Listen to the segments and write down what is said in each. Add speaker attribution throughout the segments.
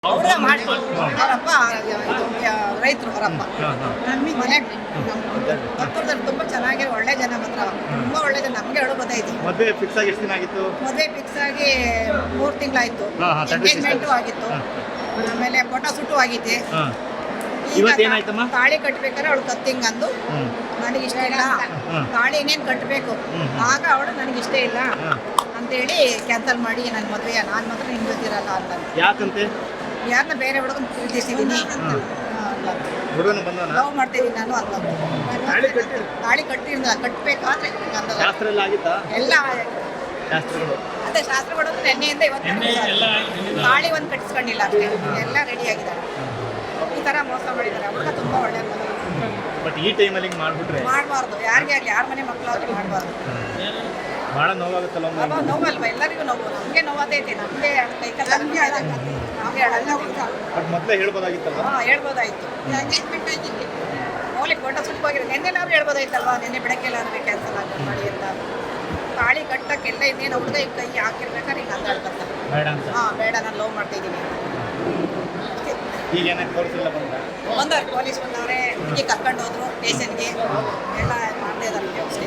Speaker 1: ಅವ್ರೇ ಮಾಡ್ತಾರೆ. ಅವರಪ್ಪ ರೈತರು, ಅವರಪ್ಪ ಮನೆ ಹತ್ತಿರದಲ್ಲಿ ತುಂಬಾ ಚೆನ್ನಾಗಿ ಒಳ್ಳೆ ಜನ, ಮಾತ್ರ ತುಂಬಾ ಒಳ್ಳೆ ಜನ. ನಮ್ಗೆ ಹೇಳೋ ಗೊತ್ತಾಯ್ತು.
Speaker 2: ಮದುವೆ ಫಿಕ್ಸ್ ಆಗಿ ಎಷ್ಟು ದಿನ ಆಗಿತ್ತು?
Speaker 1: ಮದುವೆ ಫಿಕ್ಸ್ ಆಗಿ 3 ತಿಂಗಳಾಯ್ತು. ಎಂಗೇಜ್ಮೆಂಟು ಆಗಿತ್ತು, ಆಮೇಲೆ ಫೋಟೋ ಶೂಟು ಆಗೈತೆ.
Speaker 2: ಇವತ್ತೇನಾಯ್ತಮ್ಮ?
Speaker 1: ತಾಳಿ ಕಟ್ಬೇಕಾದ್ರೆ ಅವಳು ಕತ್ತಿಂಗ್ ಅಂದು ನನಗೆ ಇಷ್ಟ ಇಲ್ಲ, ತಾಳಿ ಇನ್ನೇನು ಕಟ್ಟಬೇಕು, ಆಗ ಅವಳು ನನಗೆ ಇಷ್ಟ ಇಲ್ಲ ಅಂತೇಳಿ ಕ್ಯಾನ್ಸಲ್ ಮಾಡಿ ನನ್ನ ಮದುವೆ ನಾನು ಮಾತ್ರ ನಿನ್ ಗೊತ್ತಿರಲ್ಲ ಅಂತ.
Speaker 2: ಯಾಕಂತೆ?
Speaker 1: ಯಾರನ್ನ ಬೇರೆ ಹುಡುಗನ ಪ್ರೀತಿಸಿದ್ದೀನಿ, ಲವ್ ಮಾಡ್ತಿದ್ದೀನಿ ನಾನು ಅಂತ. ತಾಳಿ ಕಟ್ಟಿರ್ಲಿಲ್ಲ, ಕಟ್ಟಬೇಕಾದ್ರೆ ಎಲ್ಲ ಅದೇ ಶಾಸ್ತ್ರಗಳು ನೆನ್ನೆಯಿಂದ ಇವತ್ತು ತಾಳಿ ಒಂದು ಕಟ್ಟಿಸ್ಕೊಂಡಿಲ್ಲ ಅಷ್ಟೇ, ಎಲ್ಲ ರೆಡಿ ಆಗಿದ್ದಾರೆ. ಈ ಥರ ಮೋಸ ಮಾಡಿದ್ದಾರೆ. ಹುಡುಗ ತುಂಬ ಒಳ್ಳೆ
Speaker 2: ಬಟ್ ಈ ಟೈಮಲ್ಲಿ ಹಿಂಗೆ ಮಾಡ್ಬಿಟ್ರೆ
Speaker 1: ಮಾಡಬಾರ್ದು. ಯಾರಿಗೆ ಆಗಲಿ, ಯಾರ ಮನೆ ಮಕ್ಕಳಾದ್ರೂ ಮಾಡಬಾರ್ದು.
Speaker 2: ಭಾಳ ನೋವಾಗುತ್ತಲ್ಲ.
Speaker 1: ನೋವಲ್ವಾ? ಎಲ್ಲರಿಗೂ ನೋವು. ನಮಗೆ ನೋವಾದೈತಿ, ನಮಗೆ ಕೈಕಲ್ಲ, ನಮಗೆ ಅಳಲ್ಲ.
Speaker 2: ಬಟ್ ಮೊದಲೇ ಹೇಳ್ಬೋದಾಗಿತ್ತಲ್ಲ.
Speaker 1: ಹೇಳ್ಬೋದಾಯ್ತು. ಎಂಗೇಜ್ಮೆಂಟ್ ಆಯ್ತಿತ್ತು, ಮೌಲಿಕ ಫೋಟೋ ಶೂಟ್ ಹೋಗಿರೋ ನೆನ್ನೆನಾದ್ರು ಹೇಳ್ಬೋದಾಯ್ತಲ್ವಾ, ನೆನ್ನೆ ಬೆಳಗ್ಗೆಲ್ಲಾದ್ರು ಕ್ಯಾನ್ಸಲ್ ಆಗಿ ಮಾಡಿ ಅಂತ. ತಾಳಿ ಕಟ್ಟಕ್ಕೆಲ್ಲ ಇನ್ನೇನು ಹುಡುಗ ಈಗ ಕೈ ಹಾಕಿರ್ಬೇಕಾದ್ರೆ ಈಗ ಅಂದಾಡ್ತಾರೆ. ಬೇಡ, ನಾನು ಲವ್ ಮಾಡ್ತಾ ಇದ್ದೀನಿ.
Speaker 2: ಈಗ ಏನಾದ್ರು ತೋರಿಸಿಲ್ಲ
Speaker 1: ಬಂದವ್ರು, ಪೊಲೀಸ್ ಬಂದವ್ರೆ, ಹುಡುಗಿ ಕರ್ಕೊಂಡು ಹೋದ್ರು ಸ್ಟೇಷನ್ಗೆ, ಎಲ್ಲ ಮಾಡದೇ ಇದ್ದಾರೆ ವ್ಯವಸ್ಥೆ.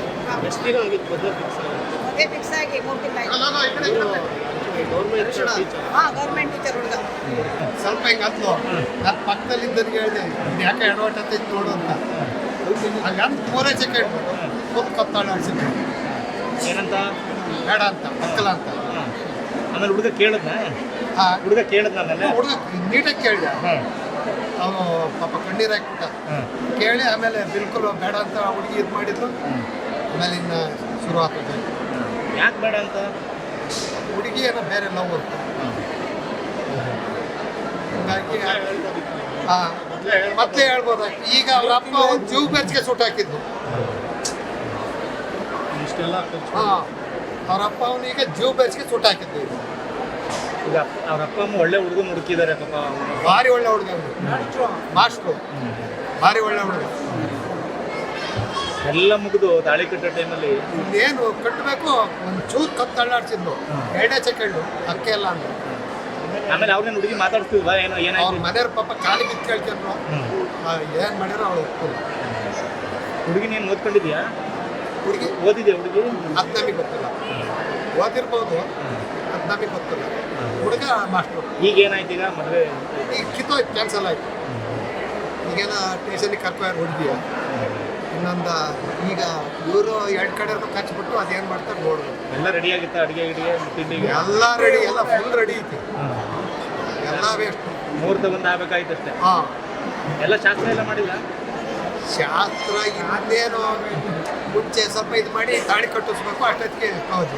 Speaker 1: ಮದುವೆ ಫಿಕ್ಸ್ ಆಗಿ 3 ತಿಂಗಳಾಯ್ತು. ಗೌರ್ಮೆಂಟ್ ಟೀಚರ್ ಹುಡುಗ.
Speaker 3: ಸ್ವಲ್ಪ ಹಿಂಗೆ ಹತ್ತು ನನ್ನ ಪಕ್ಕದಲ್ಲಿ ಇದ್ದವ್ರಿಗೆ ಹೇಳಿದೆ, ಯಾಕೆ ಎಡವಟ್ಟೈತೆ ನೋಡು ಅಂತ. ಹಂಗಂತ 3 ಸೆಕೆಂಡ್ ಸ್ವಲ್ಪ ಕತ್ತಾಳ ಆಡ್ಸಿದ್ರು.
Speaker 2: ಏನಂತ?
Speaker 3: ಬೇಡ ಅಂತ, ಮಕ್ಕಳ ಅಂತ.
Speaker 2: ಆಮೇಲೆ ಹುಡುಗ ಕೇಳಿದ್ನ? ಹುಡುಗ ಕೇಳಿದ್ನ?
Speaker 3: ಹುಡುಗ ನೀಟಾಗಿ ಕೇಳಿದೆ. ಅವನು ಪಾಪ ಕಣ್ಣೀರು ಹಾಕ್ಬಿಟ್ಟ. ಕೇಳಿ ಆಮೇಲೆ ಬಿಲ್ಕುಲ್ ಬೇಡ ಅಂತ ಹುಡುಗಿ ಇದು ಮಾಡಿದ್ರು. ಆಮೇಲೆ ಇನ್ನು ಶುರು ಆಗ್ತದೆ.
Speaker 2: ಯಾಕೆ ಬೇಡ ಅಂತ?
Speaker 3: ಹುಡುಗಿ ಏನೋ ಬೇರೆ ಲವ್ ಅಂತ. ಹೀಗಾಗಿ ಮತ್ತೆ ಹೇಳ್ಬೋದಾಯ್ತು. ಈಗ ಅವ್ರ ಅಪ್ಪ ಒಂದು ಜೀವ ಬೆರ್ಚಿಗೆ ಸುಟ್ಟು ಹಾಕಿದ್ದು. ಅವ್ರ ಅಪ್ಪ ಅವನಿಗೆ ಜೀವ ಬೆರ್ಚಿಗೆ ಸುಟ್ಟು ಹಾಕಿದ್ದು.
Speaker 2: ಈಗ ಅವ್ರ ಅಪ್ಪ ಅಮ್ಮ ಒಳ್ಳೆ ಹುಡುಗನ ಹುಡುಕಿದ್ದಾರೆ ಪಾಪ.
Speaker 3: ಭಾರಿ ಒಳ್ಳೆ ಹುಡುಗ, ಮಾಸ್ಟ್ರು, ಭಾರಿ ಒಳ್ಳೆ ಹುಡುಗ.
Speaker 2: ಎಲ್ಲ ಮುಗಿದು ತಾಳಿ ಕಟ್ಟೋ ಟೈಮಲ್ಲಿ
Speaker 3: ಇನ್ನೇನು ಕಟ್ಟಬೇಕು, ಒಂದು ಚೂರು ಕತ್ತು ತಳ್ಳಾಡ್ಸಿದ್ದು. 2 ಸೆಕೆಂಡು ಅಕ್ಕೆ ಎಲ್ಲ ಅಂತ.
Speaker 2: ಆಮೇಲೆ ಅವ್ರನ್ನ ಹುಡುಗಿ ಮಾತಾಡ್ತಿದ್ವಾ? ಏನೋ
Speaker 3: ಅವ್ರ
Speaker 2: ಏನಾಯ್ತು?
Speaker 3: ಮನೆಯವ್ರ ಪಾಪ ಕಾಲಿ ಬಿದ್ದು ಕೇಳ್ಕೊಂಡ್ರು. ಏನು ಮಾಡಿರೋ ಅವಳು
Speaker 2: ಹುಡುಗಿ ನೀನು ಓದ್ಕೊಂಡಿದ್ಯಾ?
Speaker 3: ಹುಡುಗಿ
Speaker 2: ಓದಿದ್ಯಾ ಹುಡುಗಿ?
Speaker 3: ಅದು ನಮಗೆ ಗೊತ್ತಿಲ್ಲ. ಓದಿರ್ಬೋದು, ಅದು ನಮಗೆ ಗೊತ್ತಿಲ್ಲ. ಹುಡುಗ ಮಾಸ್ಟ್ರು.
Speaker 2: ಈಗ ಏನಾಯ್ತು? ಈಗ ಮದುವೆ
Speaker 3: ಈಗ ಕಿತ್ತೋಯ್ತು, ಕ್ಯಾನ್ಸಲ್ ಆಯಿತು. ಈಗೇನೋ ಸ್ಟೇಷನಿಗೆ ಕರ್ಕೊಂಡು ಹುಡುಗಿಯ ಇನ್ನೊಂದು. ಈಗ ಇವರು 2 ಕಡೆಯೂ ಕಚ್ಚಿಬಿಟ್ಟು ಅದೇನು ಮಾಡ್ತಾರೆ ನೋಡ್ಬೋದು.
Speaker 2: ಎಲ್ಲ ರೆಡಿ ಆಗಿತ್ತಾ? ಅಡುಗೆ ತಿಂಡಿಗೆ
Speaker 3: ಎಲ್ಲ ರೆಡಿ, ಎಲ್ಲ ಫುಲ್ ರೆಡಿ ಐತಿ. ಎಲ್ಲ ವೇಸ್ಟ್.
Speaker 2: ಮುಹೂರ್ತ ಬಂದು ಆಗ್ಬೇಕಾಯ್ತು ಅಷ್ಟೇ.
Speaker 3: ಹಾಂ,
Speaker 2: ಎಲ್ಲ ಶಾಸ್ತ್ರ ಎಲ್ಲ ಮಾಡಿಲ್ಲ?
Speaker 3: ಶಾಸ್ತ್ರ ಇನ್ನೇನು ಮುಂಚೆ ಸ್ವಲ್ಪ ಇದು ಮಾಡಿ ತಾಳಿ ಕಟ್ಟಿಸ್ಬೇಕು. ಅಷ್ಟೊತ್ತಿಗೆ ಹೌದು,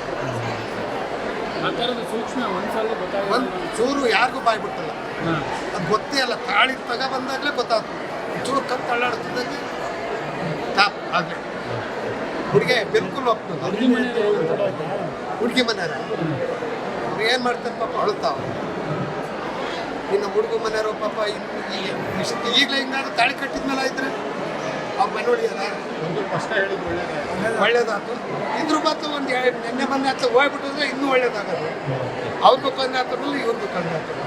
Speaker 3: ಒಂದು ಚೂರು ಯಾರಿಗೂ ಬಾಯ್ಬಿಟ್ಟಲ್ಲ. ಅದು ಗೊತ್ತೇ ಅಲ್ಲ. ತಾಳಿ ಬಂದಾಗಲೇ ಗೊತ್ತಾಗ್ತದೆ. ಚೂರು ಕತ್ತು ತಳ್ಳಾಡ್ತಿದ್ದಂಗೆ ಟಾಪ್ ಆಗಲೇ ಹುಡುಗಿ ಬಿಲ್ಕುಲ್ ಒಪ್ತದೆ. ಹುಡುಗಿ ಮನೆಯವ್ರ ಅವ್ರು ಏನು ಮಾಡ್ತಾರೆ ಪಾಪ, ಅಳುತ್ತಾವ. ಇನ್ನು ಹುಡುಗ ಮನೆಯವರು ಪಾಪ ಈಗಲೇ ಹಿಂಗಾದ್ರೆ ತಾಳಿ ಕಟ್ಟಿದ್ಮೇಲೆ ಆಯ್ತಾರೆ ಅವ್ರ ಮನೆ ಹೊಡಿಯೋದ ಒಳ್ಳೇದಾಯ್ತು. ಇದ್ರ ಬತ್ತು ಒಂದು ನೆನ್ನೆ ಮೊನ್ನೆ ಹತ್ತ ಹೋಗ್ಬಿಟ್ಟಿದ್ರೆ ಇನ್ನೂ ಒಳ್ಳೇದಾಗೋದು. ಅವ್ರಿಗೂ ತೊಂದರೆ ಆಗ್ತದಲ್ಲ, ಇವ್ರಿಗೂ ತೊಂದರೆ ಆಗ್ತದೆ.